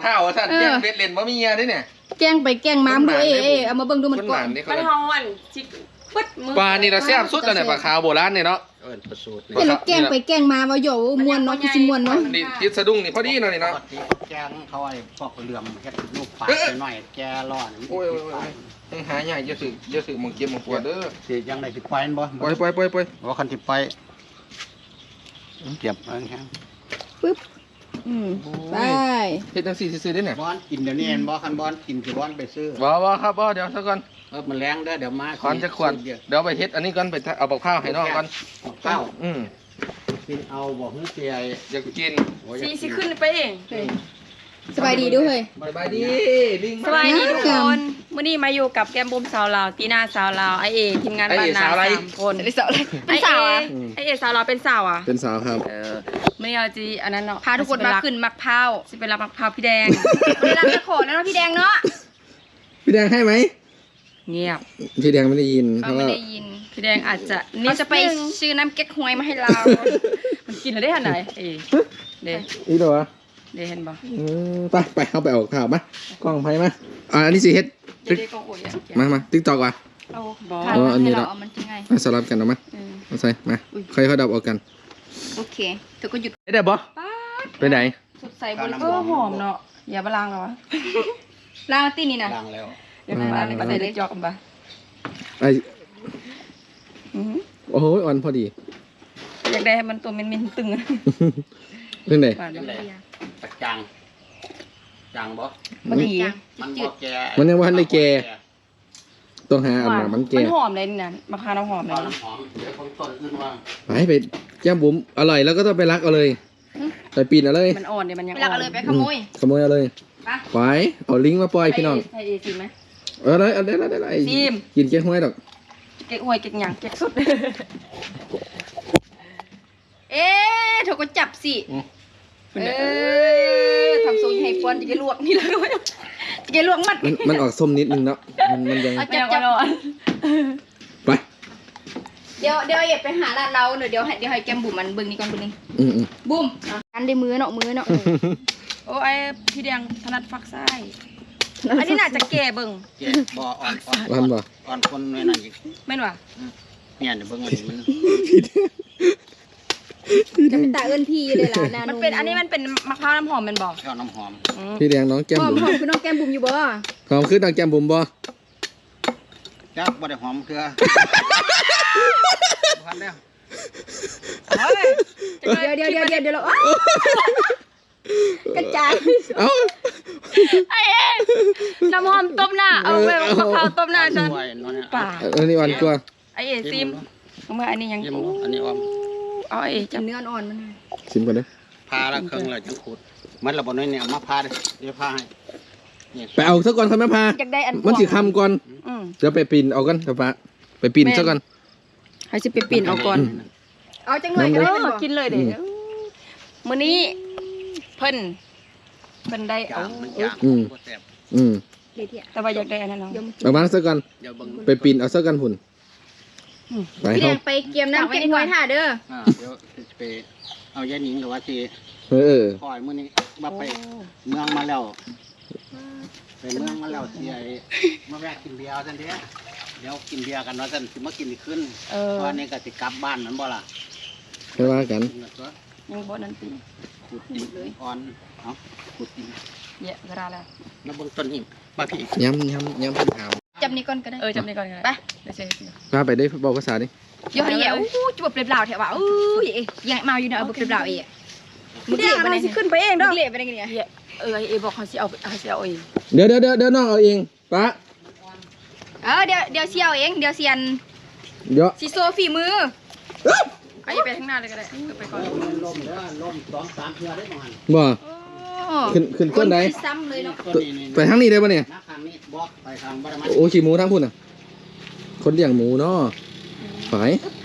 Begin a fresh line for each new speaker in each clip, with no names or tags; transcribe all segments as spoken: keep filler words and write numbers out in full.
ข้าวท่านแกงเบ็ดเล่นบะมีเงี้ยดิเนี่ย
แกงไปแกงม้ามดูเอ๊ะเอามาเบิ่งดูมันก่อน
มันเฮาอันจิกปึ๊ดมือ
ปลานี่เราแซ่บสุดแล้วเนี่ยปลาขาวโบราณเนี่ยเนาะ
เออประสูตร
เห็นแล้วแกงไปแกงมาว่าโยมวนเนาะคือสิมวนเนาะ
นี่ทิศสะดุ้งนี่พอดีเนาะนี่เนาะ
แกงเขาไอ้พวกเหลื่อมแค่ลูกปลาหน่อยแกร้อน
โอ้ยยังหาใหญ่เยอะสึเยอะสึมึงเก็บมึงปวดเด้อ
สิยังได้สิไปบ่
ปล่อยปล่อยปล่อยปล่อย
ว่าคันสิไปเก็บเอันแห้ง
ปึ๊บอืมไป
เฮ็ดจังซี่ซื่อๆได้เนี่ย
บอนกินเดี๋ยวนี้เห็นบ่คันบอนกินสิบอนไปซื้อ
บ่บ่ครับบ่เดี๋ยวซะก่อน
เออมันแรงเด้อเดี๋ยวมา
ขอนจะขวดเดี๋ยวไปเฮ็ดอันนี้ก่อนไปเอาบักข้าวให้น้องก่อน
ข้าว
อืม
กินเอาบ่ฮื้อเสีย
อยากกิน
สิสิขึ้นไปเอง
สบายดีด้วยเฮ้ย
สบายดีลิง
สบายดีทุกคนมื้อนี้มาอยู่กับแก้มบุ้มสาวลาวตีน่าสาวลาวไอเอทีมงานบ้านนาสามคน
เป็นสาวอะไรเป็นสาวอ่ะ
ไอเอสาวลาวเป็นสาวอ่ะ
เป็นสาวครับ
เออมื้อนี้เราจีอันนั้นเนาะ
พาทุกคนมาขึ้นมักพร้าว
สิเป็นรับมักพร้าวพี่แดง
วันนี้รักจะขอแล้วเนาะพี่แดงเนาะ
พี่แดงให้ไหม
เงียบ
พี่แดงไม่ได้ยิน
เขาไม่ได้ยิน
พี่แดงอาจจะ
นี่จะไปซื้อน้ำเก๊กฮวยมาให้เรา
มันกินแล้วได้ขนาดไหนเอเด้
อีเหรอ
เด้เห็นบ่
ไปไปเอาไปออกข่าวมากล้องไพ่มาอ่าอันนี้สิเฮ็ดมามาติ๊กตอกว่ะ
เอาบ่
อ๋ออันนี้เรา
มา
สลับกันเอามาเอาใส่มาใครเขาดับออกกัน
โอเคเธอก็หยุด
ได้บ่ไปไหน
สดใสบริสุทธิ์หอมเนาะอย่าบล้างหรอวะ
ล้างตีนี่นะ
ล้างแล้ว
เดี๋ยวมาในประเทศเล็กจอกกันปะ
ไอโอ้โหอ่อนพอดี
อยากได้ให้มันตัวมันๆตึง
เรื่องไหน
ตักจางจางบ่
พอดี
มันบ่แก่
มันยังว่าได้แก่ต้องหาอันมามันแก่
มันหอมเลยนี่นะมะพร้าวหอมเลย
หอมเดี๋ยวผมต้นขึ้นว่า
ไปไปแก้มบุ๋มอร่อยแล้วก็ต้องไปรักเอาเลยไปปีนเอาเลย
มันอ่อนเดี๋ยวมันยัง
ไปรักเอาเลยไปขโมย
ขโมยเอาเลยไปเอาลิงก์มาปล่อยพี่น้อง
ให้เอซิมไหม
เออได้เอาได้ได้ได้กินเก๊กฮวยดอก
เก๊กฮวยเก๊กหยังเก๊กสุด
เอ๊ะเธอก็จับสิเออทำทรงให้ฟอนจะลวกนี่แล้วด้วยจะลวกมัด
มันออกส้มนิดนึงเนาะมันมันยัง
จับจับ
ไป
เดี๋ยวเดี๋ยวอย่าไปหาร้านเราเดี๋ยวเดี๋ยวให้เดี๋ยวให้แกมบุ๋มมันเบิ่งนี่ก่อนเบิ่งนี่
อืม
บุ๋มอันได้มือเนาะมือเนาะ
โอ้ไอพี่แดงถนัดฝักไส้อันนี้น่าจะแก่เบิ่ง
แก่บ่อ่อน
อ่อนบ่
อ่อนคนไว้นั่นอีก
แม่นว่ะ
เนี่ยเดี๋ยวเบิ่งมันมัน
จะเป็นตาเอิ้นพี่เลยล่ะนา
มันเป็นอันนี้มันเป็นมะพร้าวน้ำหอมเป็นบ่
ข้าวน้ำหอม
พี่แดงน้องแก้มบุ๋ม
หอมคือน้องแก้มบุ๋มอยู่บ่
หอมคือน้องแก้มบุ๋มบ่
จักบ่ได้หอมคือพันแล้ว
เดี๋ยวเดี๋ยวเดี๋ยวเดี๋ยวเดี๋ยวเรากระจาย
เอา
ไอ้เอ็น้ำหอมต้มหน้าเอาไปมะพร้าวต้มหน้าฉัน
ป่าอันนี้อ่อนกว่า
ไอ้เอ็ซิมเอามาอันนี้ยัง
อันนี้อ่อน
เอาไอ้
จับเนื้ออ่อนมัน
ชิมก่อนเด้อ
พาละเครื่องเลยจังขูดมันระบบน้อยเนี่ยมาพาเดี๋ยวพาให้
ไปเอาซะก่อนครับแม่พามันสิคำก่อนเดี๋ยวไปปีนเอากันครับป้าไปปีนซะก่อน
ให้สิไปปีนเอาก่อน
เอาจังเลยเด้อ
กินเลยเด้อมื้อนี้เพิ่นเพิ่นได้เอา
อืมอืม
แต่ว่าอยากได้อันนั้นเนาะ
เอามาซะก่อนไปปีนเอาซะกันหุ่น
ไปพี่แดงไปเกี่ยมน้ำเก็บไว้ท่าเด้อ
เดี๋ยวไปเอายาหนิงหรือว่าสิ
เออ
คอยมื้อนี้ว่าไปเมืองมาแล้วไปเมืองมาแล้วสิไอ้มาแวะกินเบียร์ซั่นเด้เดี๋ยวกินเบียร์กันว่าซั่นสิมากินอีกขึ้นเพราะนี่ก็สิกลับบ้านนั่นบ่ล่ะ
ไปว่ากัน
ยังบ่นั่นติ
ขุดเลยอ่อนเอ้าขุดดิ
เยอะกระดาแล้ว
แล้วเบิ่งต้นหิมมาพี่
ย้ำย้ำย้ำเพิ่นถาม
จับนี่ก่อนก็ได้
เออจับนี่ก่อนก็ได้ไปเดี๋ยวเสิ
พาไปได้บอกภาษาดิ
เดี๋ยวให้แย่อู้จุบเปล่าแถวว่าอู้ยยังเมาอยู่เนาะเอาเปล่าเอ๋
มึงเละมันสิขึ้นไปเองเด้อ
เละไปได้ไงเนี่ย
เออเอบอกเขาสิเอาเขาสิเอาเอง
เดี๋ยวเดี๋ยวเดี๋ยวน้องเอาเองป้า
เออเดี๋ยวเดี๋ยวเสียวเองเดี๋ยวเซียน
เดี๋ยว
สิโซฝีมือ
ไอ้ไปข้างหน้าเลยก็ได้ไปก่อน
ลมเด้อลมสองสามเทื่อได้ประมาณ
บ่ขึ้นขึ้นต้นไหน
ซ้ำเลยเนาะ
ไปทางนี้ได้ป่ะเนี่ยโอ้ขี่หมูทั้งพุ่นอ่ะคนเลี้ยงหมูเนาะไป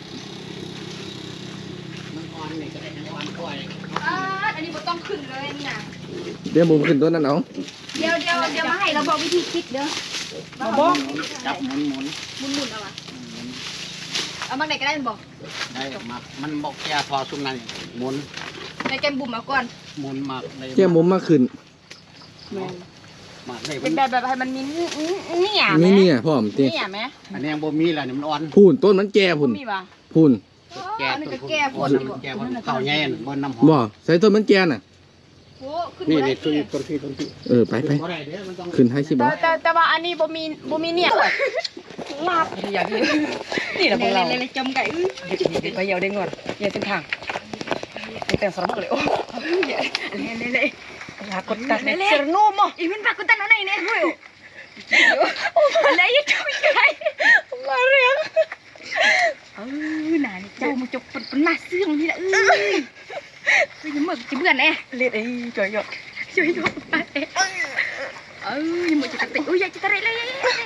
อันนี้บ่ต้องขึ้นเลยนี่นะ
เดี๋ยวบุ๋มขึ้นต้นนั้นเอา
เดี๋ยวเดี๋ยวเดี๋ยวมาให้เราบอกวิธีคิดเด้อ
บอกจับหมุนหมุน
หมุนหมุนเอาวะเอามาไหนก็ได้บอก
ได้มามันบอกแก่พอซุ้มนั่นหมุน
ในแกมบุ๋มมาก่อน
หมุนมา
แก้มบุ๋มมาขึ้น
แม่น
มาเลย
เป็นแบบแบบให้มันมีนี่อ่ะ
มีเนี่ยพ่อมติ
นี่อ่ะแม่
อันนี้ยังบ่มีแล้วนี่มันอ่อน
พูนต้นมันแก่พุ่น
มีป่ะ
พูน
แก่
อันนี้
ต้
ก็
น
แก้ป
อ่
ว
อ
ด
น
ดี
มัน
บ่
แก่มันเข่าใหญ่บนน้ำหอม
บ่ใส่ต้นมันแก่น่ะ
โอ้ขึ้น
นี่
บ่ได้
นี่ต้นต้นที่ต้นที่
เออไปไป
บ่ได้เด้อมันต้อง
ขึ้นให้สิบ่
แต่แต่แต่ว่าอันนี้บ่มีบ่มีเนี่ยลาบอยากกินนี่แหละพวกเรา
เลยๆจมไก่อื้อ
ไปเยาได้งวดเยาเป็นทางแต่สารพัดเลยโอ้ย
เลย
อยากกดตัดเนี่ยเจอนุ่มอ่ะ
ๆอีมันปากกูตันเอาไหนเนี่ยเฮ้ยอะไรยังจมไก่
มาเรียง
เออน่ะนี่เจ้ามาจกเป็นมาเสื่องนี่แหละเอ้ยเฮ้ยยังมึกจะเบื่อแน่
เล็ดไอ้จ่อยหยด
ช่วยยกไปเออยังมึกจะติอุ้ยอยากจะตะไรเลย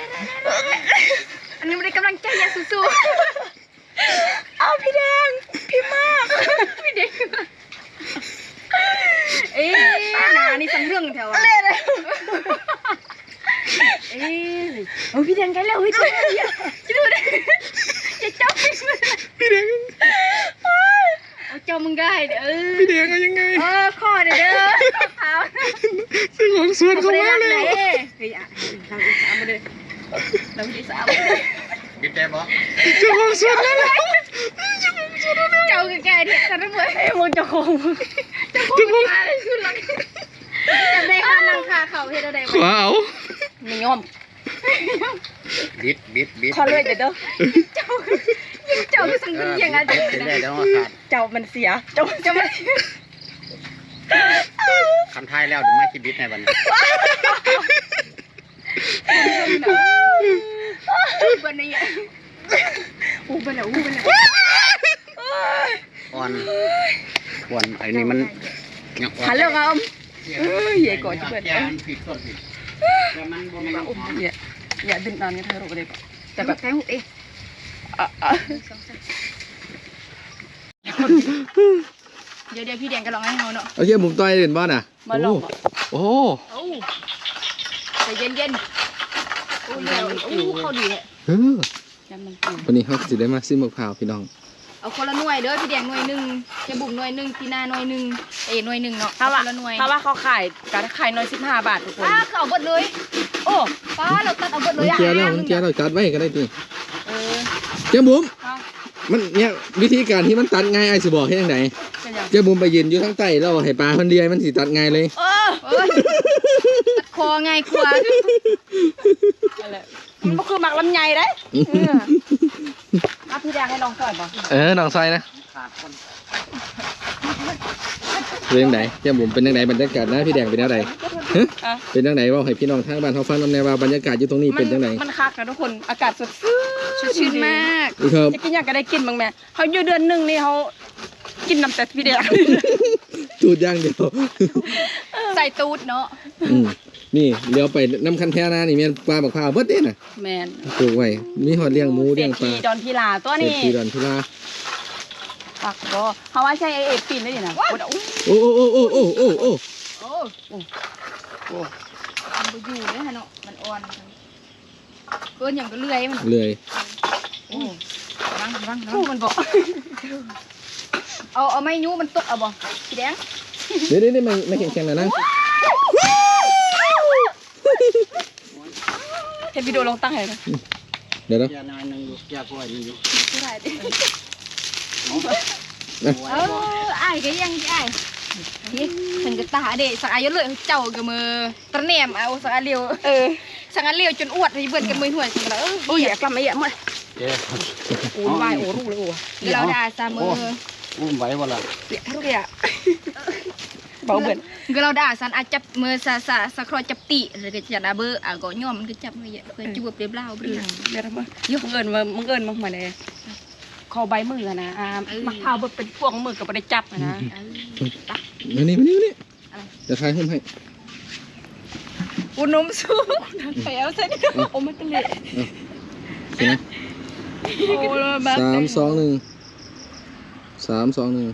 อันนี้มันได้กำลังใจอย่างสู้
เอาพี่แดงพี่มาก
ๆพี่เด็กเอ๊ะน่ะนี่สังเรื่องแถวอ่ะ
เล็ดเลย
เอ๊ะโอ้พี่แดงกันแล้วเฮ้ยตัวเนี้ยจะดูดิจะเจ้าพี่พี่แดงเอาเจ้ามึงได้เด้อ
พี่แดงเอายังไง
เออข้อเด้อเด้อขาว
ซื้อของสวน
เขา
เขา
ไม่ได้
มา
รัก
แล้
ไหน
ว
เฮ้ยอ่ะเราอีสามมาเลยเราอีสามมาเลย
บิดได้บ่
เจ้าของสวนแล้ว
เจ้าแก่ๆเนี่ยกันทั้งหมด
ไอ้มึงจะคง
เจ้าของมาเลยสุดหลังจำได้ค่ะนางคาเขาเฮ็ดอะไร
ขวาเอา
ไม่ยอม
บิดบิดบิด
ขอเลยเดี๋ยวเด้อ
เจ้ายังเจ้าก็สังเกตยังไง
บิดเป็นได้แล้วว่าขาด
เจ้ามันเสียเจ้าเจ้ามัน
คำท้ายแล้วเดี๋ยวมาสิบิดในวันนี้
บันนี้อู้บันแล้วอู้บันแล้ว
อ่อนอ่อนไอ้นี่มันยังอ่อน
ฮัลโหลครับ
เอ้ยใหญ่กว่าที่เปิด
แก่มันผิดต้นผิดแต่มันบ่แม่นอ่อน
อย่าอย่าดึงนานกันเธอรู้เลยแต่
แต่
แบ
แบบ บแทงหุบเอง
อ่ะอ่ะ
เดี๋ยวเดี๋ยวพี่แดงก็ลองให้เขาเนาะ
เอาเยี่ยมุมต้อยเด่นบ้านอ่ะ
มาลอง
โอ้
โอ้ใจเย็นเย็นๆโอ้ยเดี๋ยวโอ้เข้าดีเลย
เออ
จำมันกิน
วันนี้เขาสิได้มาซิมมะพร้าวพี่น้อง
เอาคนละหน่วยเด้อพี่แดงหน่วยหนึ่งเจะบุ๋มหน่วยหนึ่งพี่นาหน่วยหนึ่งเอ๋หน่วยหนึ่งเนาะ
ถ้าว่า
คนละหน่วย
ถ้าว่าเขาขายการขายน้อยสิบห้าบาททุกคน
ป้าเขาเอาเบิดเลย
โอ้
ป้าเราตัดเอาเบิดเล
มัน
ยอ่ะ
แก่แล้วมันแก่แล้วจัดไว้ก็ได้ตี
เออ
เจ้าบุ๋ม
เอา
มันเนี่ยวิธีการที่มันตัดง่ายไอ้สิบอกให้ยังไง
เป็นยัง
เจ้าบุ๋มไปยืนอยู่ทั้งใต้แล้วให้ปลาคนเดียวมันสิตัดง่ายเลย
เออ
เอ้ยตัดคอไงกลัว
อะไรมันก็คือหมักลำไยได้เอออ่ะพี่แดงให้ลองก่อนป่ะ
เออน้องซอยนะ
ขาดคน
เป็นยังไงเจ้าบุ๋มเป็นยังไงบรรยากาศนะพี่แดงเป็นยังไงฮะ
อ่ะ
เป็นยังไงว่าให้พี่น้องทางบ้านเขาฟังนำแนวว่าบรรยากาศอยู่ตรงนี้เป็นยังไง
มันคักนะทุกคนอากาศสดชื่น
ชื่นมาก
ครับ
จะกินอยากก็ได้กินบ้างแม่เขาอยู่เดือนหนึ่งนี่เขากินน้ำแต่พี่แดง
ตูดอย่างเดียว
ใส่ตูดเนาะ
อืมนี่เลี้ยวไปน้ำคันแท่นานี่แม่นปลาบักพร้าวเบิดเด้น่ะ
แมน
ปลูกไว้มีหอดเลี้ยงหมูเลี้ยงปลา
ศรษฐีดอนพิลาตัว
เศรษ
นี้
ฐีดอนพิลา
ปักก็เขาว่าใช่ไอเอฟปีนได้ยังไง
โอ้โอ้โอ้โอ้โอ้โอ้โอ้
โอ้โอ้มันไปอยู่เนี่ยฮะเนาะมันอ่อนเกินอย่างก็เลื่อยมัน
เลย
โอ้รังรังรั
สู้
ง
มันบอก
เอาเอาไม้ยูมันตกเอาบ่พี่แดง
เดี๋ยวเดี๋ยวไม่ไม่แข็งแข็งนะนั่ง
เห็นวิดีโอลงตั้งให้นะ
เดี๋ยวนะ
แก่น้อยหนึงอยู่แก่กว่านี่อยู่
ไม่ได้ดิ
เอา
เออไอ้ายก็ยังไอ้ายนี่ถึงกับตาเด็สักอายุเลยเจ้ากับมือตะแหนมเอาสักอาเลียว
เออ
สักอาเลียวจนอวดให้เบิ่นกับมือหน่วยกันแล้วเออ
โอ้ยอย่ากลับมาเยอะมั้ย
เจ๊
โอ้ยวายโอ้รู้เลยโอ้
เดี๋ยวเราด่าซามือ
อุ้มไหวบ่ล่ะ
เปียกทุกอย่างเบาเบิ่น
ก็เราด่าสันอาจับมือซาซาสะครอจับตีหรือก็จะด่าเบอร์อ่ะก็ย่อมมันก็จับมือเยอะเพื่อจูบเรียบเล่าไปเลย
เดี๋ยวทำไมยุ่งเอิญมามึงเอิญมาเหมือนไงคอใบมือนะอ่ามักพร้าวเบิดเป็นพวงมือกับไม่ได้จับนะ
มานี่มานี่มานี่จะทายหุ้มให้
อุนมสู้ไปเอาเส้น
โอ้มันเป็นเละ
เห็นไหม
โอ้แบบ
สามสองหนึ่งสามสองหนึ่ง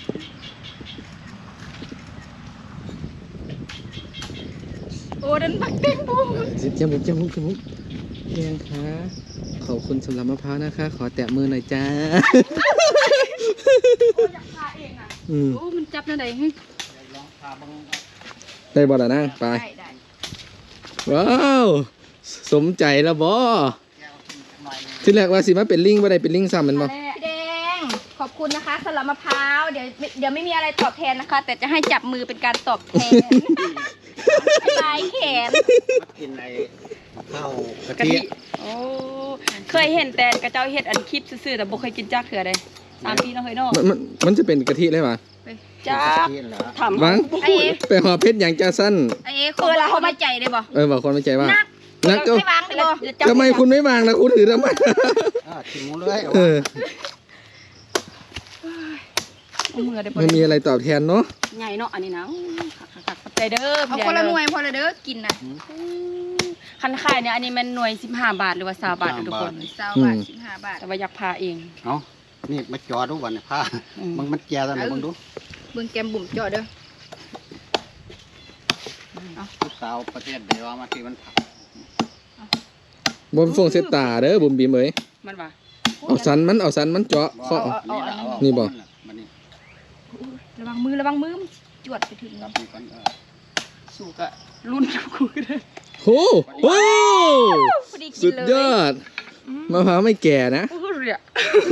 โอ้ดันบักเต็มบูม
เจ้าบุ๋มเจ้าบุ๋มเจ้าบุ๋มเพียงค่ะขอบคุณสำหรับมะพร้าวนะคะ ขอแตะมือหน่อยจ้าอืม
โอ้มันจับนั่นไหน
ลองพาเบิ่ง
ได้บ่ล่ะนะไป
ได้ได้
ว้าวสมใจแล้วบ่
แก้วกินหน่อยหนึง
ที่แรกว่าสิมาเป็นลิงบ่ได้เป็นลิงซ้ำแมันบ่
พี่แดงขอบคุณนะคะสำหรับมะพร้าวเดี๋ยวเดี๋ยวไม่มีอะไรตอบแทนนะคะ แต่จะให้จับมือเป็นการตอบแทนลายแขน
มากินไอ้ข้าวกะ
กะ
ทิ
ทิโอ้เคยเห็นแต่กระเจ้าเฮ็ดอันคลิปซื่อๆแต่บ่เคยกินจักเถื่อใดสามปีเนาะเฮ้ยเนาะ
มันมันมันจะเป็นกะทิเลยป่ะ
จ้าก
ะทิเหรอ
ถาม
วัง
ไอ้
ไปหอเพชรอย่างจ้าสั้น
ไอ้เอ๋เคยละเขามาใจได้บ่
เออบอกคนไม่ใจว่า
นัก
นักก็
ให้วางได้บ่
ทำไมคุณไม่วางนะคุณถือทำไม
อ่าชิมหมูเลยเอา
เออ
เอามือได้บ่
ไม่มีอะไรตอบแทนเนาะ
ใหญ่เนาะอันนี้นะคักๆๆขอบใจเด้อ
เอา
พี่แดง
คนละห
เด้
น่ว
อย
พอเลยเด้อกินน่ะ
คันขายเนี่ยอันนี้มันหน่วยสิบห้าบาทหรือว่าสามบาททุกคน
สาวบาทสิบห้าบาท
แต่ว่าอยากพาเอง
เอานี่มาจอดูวันนี้ผ้า
อืม
มึงมันแก่แล้วมึงดู
เบิ่งแกมบุ่มเจาะเด้อ
ผู้สาวประเทศเดียวมาที่มันผัก
บนฟงเซตตาเด้อบุ๋มบีมเอ้ย
มันว่า
เอาสันมันเอาสันมันเจาะเคาะ
นี่ละเอา
นี่บ่
มันนี่
ระวังมือระวังมือมันจวดไปถึง
รั
เนาะ
บนี่ก่อนเออ
สู่กะรุ่นกูได้
โหโอ้
พอดีกิ
สุ
น
ด
เลย
ยอดมะพร้าวไม่แก่นะ
โอ้โหเรีย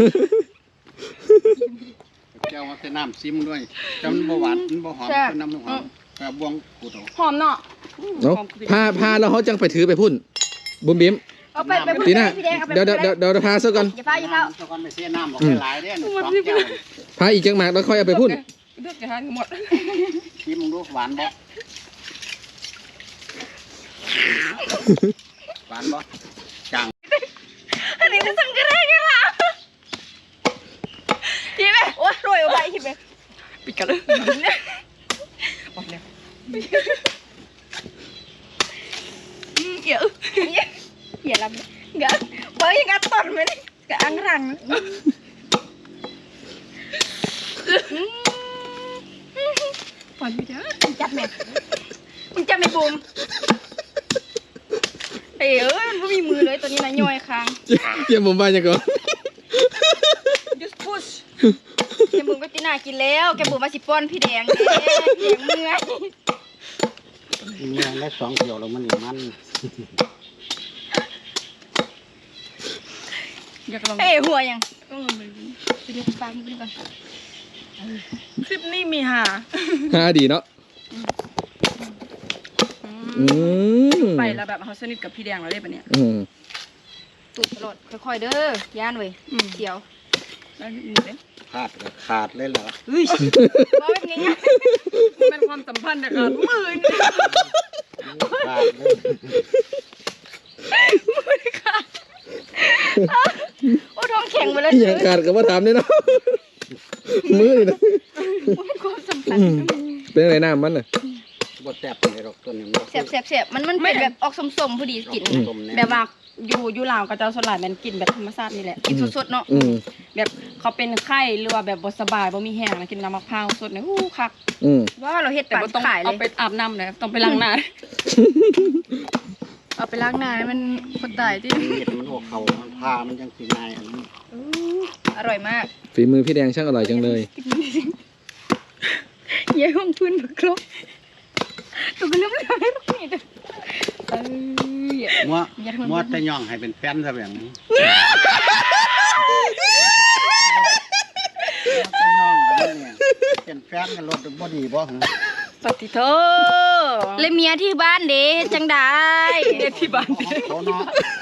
แก้วมาใส่น้ำซิมด้วยจำบ่หวานมันบ่หอมเป็นน้ำมันหอมแต่บวงกูโต
หอมเนาะ
เนาะพาพาแล้วเขาจังไปถือไปพุ่นบุ๋มบีม
เอาไปไป
ตีน่า
พี่แดงเอาไป
เดี๋ยวเดี๋ยวเดี๋ยวเดี๋ยวพาซะก่อน
อย่าพาอย่าพา
ตะกอนไปเสียน้ำบอกหลายๆเด้อสองแก้ว
พาอีกจังหมากแล้วค่อยเอาไปพุ่น
เลือกจะทานหมด
ชิมมึงดูหวานบ่หวานบ่จัง
อันนี้มันสังกะแรงกันล่ะพี่แม่โอ้ยรวยเอาไปพี่แม่
ปิดกันเลยหมดแล้ว
เดี๋ยวอย่าลำกะเฮ้ยกะต้นมันกะอังรัง
ปล่อยไม่ได้
จับแม่มึงจับไม่บุม
เอ้ยเอ้ยมันไม่มีมือเลยตัวนี้นะย่อยค้าง
เยี่ยมผมไปจังก่อน
just push
แกบุมก็ตีน่ากินแล้วแกบุมมาสิป้อนพี่แดงเด้พี่แดงเมื่อย
มีอะไรสองเกี่ยวแล้วมันนี่มัน
อยากลอง
เอ้ยหัวยัง
ต้องลองเลย
ไปเดี๋ยวฟังมึงก่อน
คลิปนี้มีหา
ฮาดีเนาะอืม
ไปแล้วแบบเขาสนิทกับพี่แดงเราได้ปะเนี่ย
อืม
ตูดตลอดค่อยๆเด้อย่านเว้ย
อืม
เดี๋ยว
แล้วนี่เด้
ขาดก็ขาดเลยเหรอ
เฮ้ย
ว่าเป็นไงไง
เป็นความสัมพันธ์นะครับมือ
ขาดเลย
โอ้ท้องแข็งไปแล้ว
อหย่างขาดกับว่าถามเนี่ยเนาะมือนี่นะ
เป็นความสัมพัน
อื
ธ์
มเป็นอะไรน้ำมันน่ะ
บ่แซ่บเลยหรอกตัวนี้
แสบแสบแสบมันมันเป็นแบบออกสมๆพอดีกิน
ต้ม
แบบว่าอยู่อยู่ลาวกับเจ้าสลายมันกินแบบธรรมชาตินี่แหละ
กินสดๆเนาะ
อืม
แบบเขาเป็นไข้หรือว่าแบบบ่สบายบ่มีแห้งนะกินน้ำมะพร้าวสดเนี่ยอู้คัก
อืม
ว่าเราเฮ็ด
แต่
ปา
บ่
น
ต้อง
ขายเล
เอา
ย
ไปอาบน้ำเลยต้องไปล้างหน้า
เอาไปล้างหน้าให้มันคนตายที่
เห็ดมันออกเขามันพามันยังสิง่ายอันนี้
อร่อยมาก
ฝีมือพี่แดงช่างอร่อยจังเลย
เย้ห้องพื้นบักครบตัวก็เริ่มเริ่มให้ลูกนี่เด้อเอ้ย
มัวมัวแต่ย่องให้เป็นแฟนซะแบบนี้แต่ย่องกันนี่เป็นแฟนกันรถบ่ดีบ่หึ
ปฏิโท
เลยเมียที่บ้านเด้เฮ็ดจังได้
เด็ดที่บ้าน
เขาเนาะ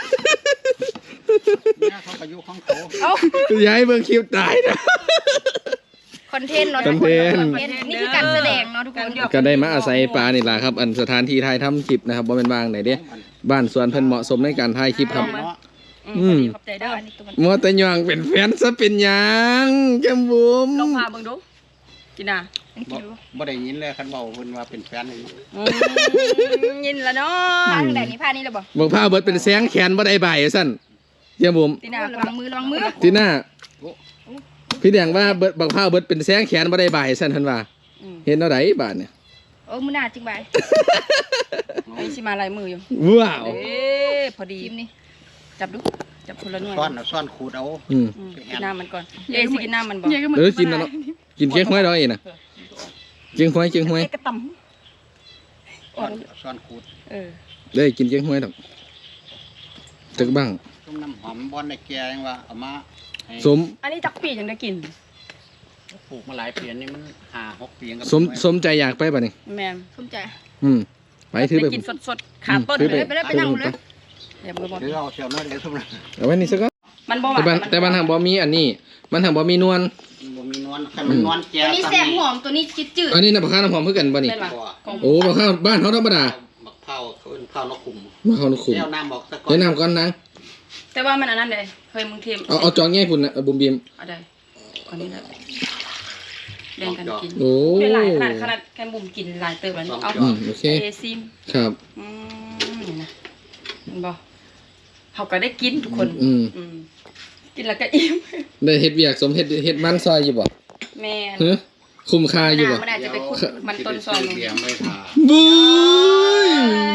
เนี่ยเขาก็อยู่ของเขา
เอ้า
อย่าให้เบิ่งคลิปตายนะ
คอนเทนต์เนาะ
คอนเทนต์
คอนเทนต์นี่คือการแสดงเนาะทุกคน
ก็ได้มาอาศัยปลานี่แหละครับ อันสถานที่ถ่ายทำคลิปนะครับว่าเป็นบางไหนเด้บ้านสวนเพิ่นเหมาะสมในการถ่ายคลิปครับ
เนาะ
อืมขอบใจเด้อ
อันนี้ตัวมัน
มัวแต่ย่องเป็นแฟนซะเป็นหยังแก้มบุ๋ม
ลองพาเบิ่งดูกินน่ะ
บ่บ่ได้ยินเลยคันเว้าเพิ่นว่าเป็นแฟนให้
อืมยินละเนาะ
ผ้าทางไหนนี่ผ้านี่หรือเปล่า
บอกผ้าเบิดเป็นแสงแขนบ่ได้ใบายสั่นแก้มบุ๋ม
ตีน่า
ระวังมือระวังมือ
ทีหน้าพี่แดงว่าเบิดบักผ้าเบิดเป็นแสงแขนบ่ได้ใบายสั่นเพิ่นว่า
อืม
เห็นเอาไดบาดเนี่ย
โอ้มือหน้าจริงไป
ไอ้สิมาลายมืออยู่
ว้าว
เอ๊ะพอดี
จิ้มนี่
จับดูจับคนละหน่วย
ซ่อนเอาซ่อนขูดเอา
อืม
อืมกินน้ำมันก่อนเอ๊ะสิกินน้ำมันบ่
เออกินแล้วเนาะกินเค้กห้วยดอกเองน่ะเจียงห้วยเจียงห้วย
เอ๊ะกระต
ช้อนช้อนขูด
เออ
ได้กินแกงห้วยดอกจักบ้าง
ต้มน้ำหอมบอนในแกงว่าเอามาให้
สม
อันนี้จักปียังได้กิน
ปลูกมาหลายปีนี่มันห้าหกปีกับ
สมสมใจอยากไปป่ะนี่
แม่น
สมใจ
อืมไปถือไป
ได้กินสดๆขาต้น
ถือ
เลย
ไปเลยไปนั่งเลย
อย่ามือบอล
หรือเอาเชียวน้อยเดี๋ยวทุกนั้น
เอาไว้นี่ซะก่อน
มันบ่หวา
แต่บ้าน
น
แต่บ้านทางบ่มีอันนี้ มันทางบ่มีนวล
บ่มีนวลคันมันนวลแก
ตัวนี้แซ่บหอมตัวนี้จืดจืด
อันนี้น่ะบักข้าวน้ำหอมคือกันบ่นี่
เป็นว่าของ
โอ้บักข้าวบ้านเขาธรรมดา
บักเผาเขาเป็นเผานกขุม
บักข้าวนกขุม
เจ้าน้ำบอกตะกอน
แนะนำก่อนนะ
แต่ว่ามันอันนั้นเลยเคยมึงเทียม
เอาเอาจองแง่พุ่นน่ะเอาบุมบีม
เอาได้อันนี้แหละแบ่งกันกิน
โอ้
เป็นหลายขนาดขนาดแค่บุ่มกินหลายเติมแล้วนี่เอา
อืมโอเค
เอซิม
ครับ
อืมนี่นะเห็นบ่เขาก็ได้กินทุกคน
อืม
อืมกินแล้วก็อิ่ม
ได้เฮ็ดเวียกสมเฮ็ดเฮ็ดมันซอยอยู่บ่
แม่น
ฮะคุ้มค่าอยู่บ่
มันอาจจะไปคุดมันต้นซอย
เบียร์ไม่ทา
บุ้ย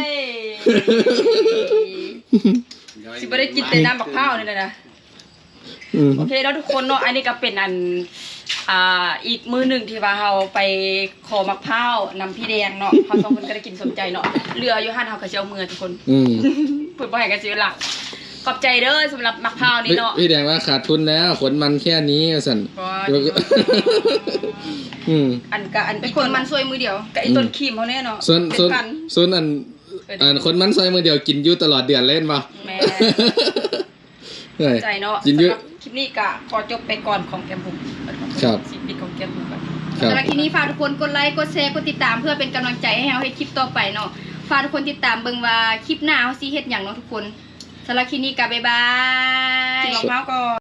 สิบ่ได้กินแต่น้ำบักพร้าวนี่เลยนะ
อืม
โอเคแล้วทุกคนเนาะอันนี้ก็เป็นอันอ่าอีกมือหนึ่งที่ว่าเราไปขอมะพร้าวนำพี่แดงเนาะเขาสองคนก็ได้กินสนใจเนาะเรืออยู่หันเขาก็จะเอามือทุกคน
อืม
เพื่อบ่ให้กันเสียหลักขอบใจเด้อสำหรับมะพร้าวนี้
พี่
เนาะ
พี่แดงว่าขาดทุนแล้วขนมันแค่นี้สั่น
ก็
แล้วก็อืม
อันก็อัน
ๆเป็นคนมันซวยมือเดียว
กับไอ้ต้นครีมเขาเนี่ยเนาะ
ส่วน
เป็
ส่วน
พัน
ส่วนอันอันคนมันซอยมือเดียวกินอยู่ตลอดเดือนเล่นป่ะ
แม่
เฮ้ย
ใจเนาะ
กินเยอะ
สำหรับคลิปนี้ก็ขอจบไปก่อนของแกมบุ๋ม
ครับ
สิปิดของแกมบุ๋มก่อน
ครับ
สำหรับคลิปนี้ฝากทุกคนกดไลค์กดแชร์กดติดตามเพื่อเป็นกำลังใจให้เราให้คลิปต่อไปเนาะฝากทุกคนติดตามเบิ่งว่าคลิปหน้าเฮาสิเฮ็ดหยังเนาะทุกคนสำหรับคลิปนี้ก็บ๊ายบาย
กินรองเท้าก่อน